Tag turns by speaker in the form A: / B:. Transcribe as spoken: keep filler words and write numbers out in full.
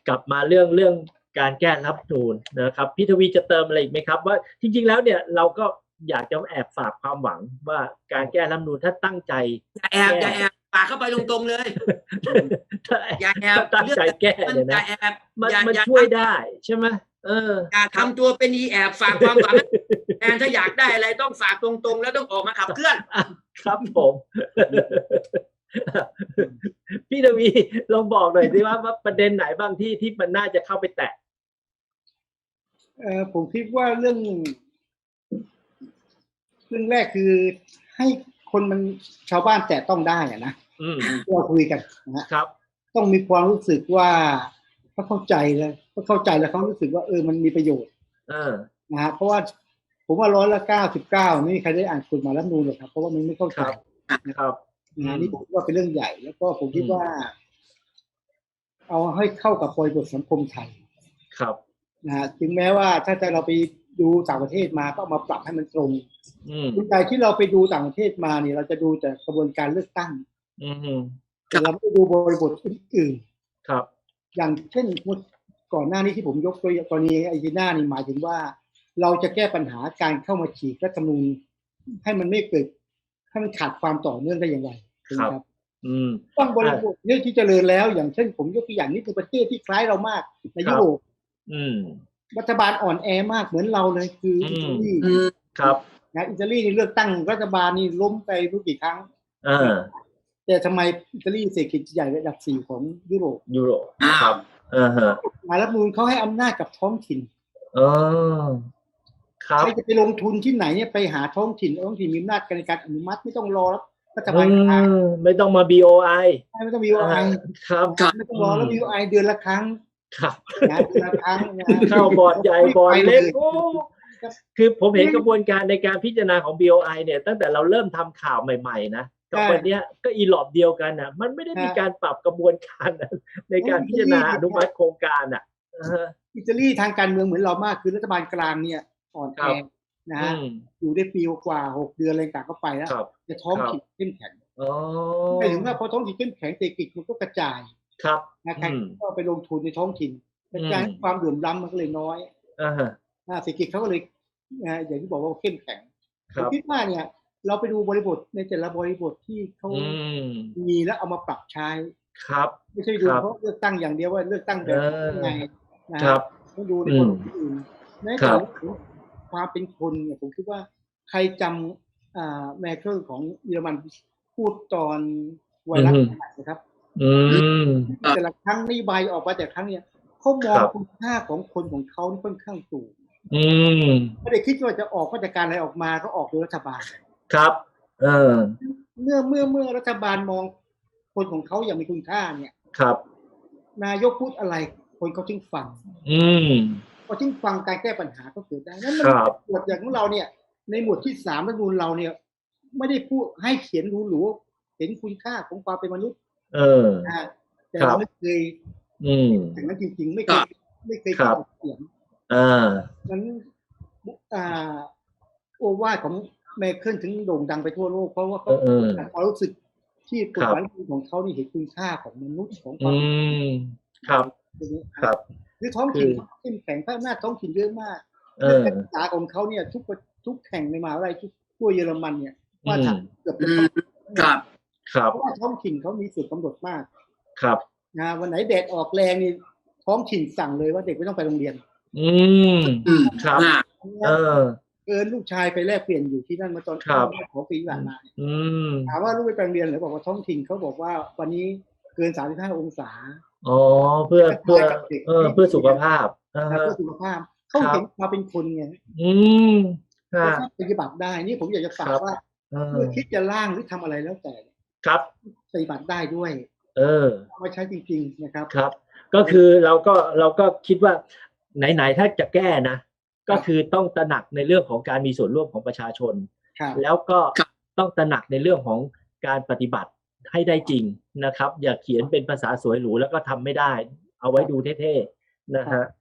A: กลับมาเรื่องเรื่องการแก้รัฐธรรมนูญนะครับพี่ทวีจะเติมอะไรอีกไหมครับว่าจริงๆแล้วเนี่ยเราก็อยากจะแอบฝากความหวังว่าการแก้รัฐธรรมนูญถ้าตั้งใจ
B: อย่าแอบอย่าแอบฝากเข้าไปตรงๆเลยอย่าแอบ
A: ตั้งใจแก้เนี่ยนะมันมันช่วยได้ใช่ไหมเออ
B: อย่าทำตัวเป็นอีแอบฝากความหวังแทนถ้าอยากได้อะไรต้องฝากตรงๆแล้วต้องออกมาขับเคลื่อน
A: ครับผมพี่ทวีลองบอกหน่อยสิว่าประเด็นไหนบ้างที่ที่มันน่าจะเข้าไปแตะ
C: เออผมคิดว่าเรื่องเรื่องแรกคือให้คนมันชาวบ้านแตะต้องได้อะนะเราคุยกันนะครับต้องมีความรู้สึกว่าเขาเข้าใจเลยเขาเข้าใจแล้วเขารู้สึกว่าเออมันมีประโยชน์นะฮะเพราะว่าผมว่าร้อยละเก้าสิบเก้าไม่มีใครได้อ่านกฎหมายรัฐธรรมนูญหรอกครับเพราะว่ามันไม่เข้าใจ
A: นะครับ
C: นะนี่ผมว่าเป็นเรื่องใหญ่แล้วก็ผมคิดว่าเอาให้เข้ากับบริบทสังคมไทย
A: ครับ
C: นะฮะถึงแม้ว่าถ้าจะเราไปดูต่างประเทศมาก็มาปรับให้มันตรงคุณใจที่เราไปดูต่างประเทศมาเนี่ยเราจะดูแต่กระบวนการเลือกตั้งแต่เราไม่ดูบริบทอื่น
A: ๆครับ
C: อย่างเช่นก่อนหน้านี้ที่ผมยกตัวอย่างกรณีไอจีน่านี่หมายถึงว่าเราจะแก้ปัญหาการเข้ามาฉีกรัฐธรรมนูญให้มันไม่เกิดให้มันขาดความต่อเนื่องได้อย่างไร
A: ครับ
C: ต้องบริบทเนี่ยที่เจริญแล้วอย่างเช่นผมยกตัวอย่างนี้คือประเทศที่คล้ายเรามากในยุโรปรัฐบาลอ่อนแอมากเหมือนเราเลยคืออิตาลี
A: ครับ
C: นะอิตาลีนี่เลือกตั้งรัฐบาลนี่ล้มไปรู้กี่ครั้งแต่ทำไมอิตาลีเศรษฐกิจใหญ่ระดับสี่ของยุโรป
A: ยุโรปครับอ่าฮะ
C: รัฐธรรมนูญเขาให้อำนาจกับท้องถิ่น
A: อ๋อครับ
C: ใครจะไปลงทุนที่ไหนเนี่ยไปหาท้องถิ่นท้องถิ่นมีอำนาจในการอนุมัติไม่ต้องรอรัฐบาลกลาง
A: ไม่ต้องมา บี โอ ไอ
C: ไม่ต้อง บี โอ ไอ
A: ครับ
C: ไม่ต้องรอแล้ว บี โอ ไอ เดือนละครั้ง
A: ครับ
C: นะเดือนละครั้ง
A: เข้าบอร์ดใหญ่บอร์ดเล็กคือผมเห็นกระบวนการในการพิจารณาของ บี โอ ไอ เนี่ยตั้งแต่เราเริ่มทำข่าวใหม่ๆนะกับวันนี้ก็อีหลอบเดียวกันนะมันไม่ได้มีการปรับกระบวนการในการพิจารณาอนุมัติโครงการอ่ะ
C: อิตาลีทางการเมืองเหมือนเรามากคือรัฐบาลกลางเนี่ยอ่อนแอนะฮะอยู่ได้ปีกว่าหกเดือนอะไรต่างก็ไปแล้วแต่ท้องถิ่นเข้มแข็งหมายถึงว่าพอท้องถิ่นเข้มแข็งเศรษฐกิจมันก็กระจายนะครับก็ไปลงทุนในท้องถิ่นกระจายความเหลื่อมล้ำมันก็เลยน้อยเศรษฐกิจเขาก็เลยอย่างที่บอกว่าเข้มแข็งผมคิดว่าเนี่ยเราไปดูบริบทในแต่ละบริบทที่เขามีแล้วเอามาปรับใช้
A: ครับ
C: ไม่ใช่ดูเพราะเลือกตั้งอย่างเดียวว่าเลือกตั้งแบบยังไงนะครับต้องดูในคนอื่นในเรื่องของความเป็นคนเนี่ยผมคิดว่าใครจำแมเคิลของเยอรมันพูดตอนไวรัสนะครับแต่ละครั้งนโยบายออกมาแต่ครั้งเนี้ยเขามองคุณค่าของคนของเขาค่อนข้างสูงไม่ได้คิดว่าจะออกมาตรการอะไรออกมาก็ออกโดยรัฐบาล
A: ครับเออ
C: เมื่อเมื่อเมื่อรัฐบาลมองคนของเขาอย่างมีคุณค่าเนี่ย
A: ครับ
C: นายกพูดอะไรคนเขาจึงฟัง
A: อืม
C: พอจึงฟังการแก้ปัญหาก็เกิดได้นั่นมันหมวดอย่างของเราเนี่ยในหมวดที่สามรัฐธรรมนูญเราเนี่ยไม่ได้พูดให้เขียนหรูๆเห็นคุณค่าของความเป็นมนุษย์
A: เออ
C: นะแต่เราไม่เคย
A: อืม
C: อย่างนั้นจริงๆไม่เคยไม่เคยเขียน
A: อ่า
C: นั้นอ่าโอวาทของแมเคิลถึงโด่งดังไปทั่วโลกเพราะว่าเขาความรู้สึกที่กฎหมายของเขานี่เห็นคุณค่าของมนุษย์ของความ
A: ครับครับ
C: คือท้องถิ่นเขาเข้มแข็งพระอำนาจท้องถิ่นเยอะมากการศึกษาของเขาเนี่ยทุกทุกแห่งในมหาวิทยาลัยทั่วเยอรมันเนี่ยว่าทำเกือบ
A: ครับครับ
C: เพราะว่าท้องถิ่นเขามีส่วนกำหนดมาก
A: ครับ
C: นะวันไหนแดดออกแรงนี่ท้องถิ่นสั่งเลยว่าเด็กไม่ต้องไปโรงเรียน
A: อืมครับเออ
C: เกินลูกชายไปแลกเปลี่ยนอยู่ที่นั่นมาตอนขอปีผ่านมาถามว่าลูกไปโรงเรียนหรือบอกว่าท้องถิ่นเขาบอกว่าวันนี้เกินสามสิบห้าองศา
A: อ๋อเพื่อเพื่อเออเพื่อสุขภาพ
C: เพื่อสุขภาพเขาเห็นมาเป็นคนไง
A: อืม
C: ครับปฏิบัติได้นี่ผมอยากจะฝากว่าเมื่อคิดจะร่างหรือทำอะไรแล้วแต่
A: ครับ
C: ปฏิบัติได้ด้วย
A: เออ
C: เอามาใช้จริงๆนะครับ
A: ครับก็คือเราก็เราก็คิดว่าไหนๆถ้าจะแก้นะก็คือต้องตระหนักในเรื่องของการมีส่วนร่วมของประชาชนแล้วก็ต้องตระหนักในเรื่องของการปฏิบัติให้ได้จริงนะครับอย่าเขียนเป็นภาษาสวยหรูแล้วก็ทำไม่ได้เอาไว้ดูเท่ๆนะฮะ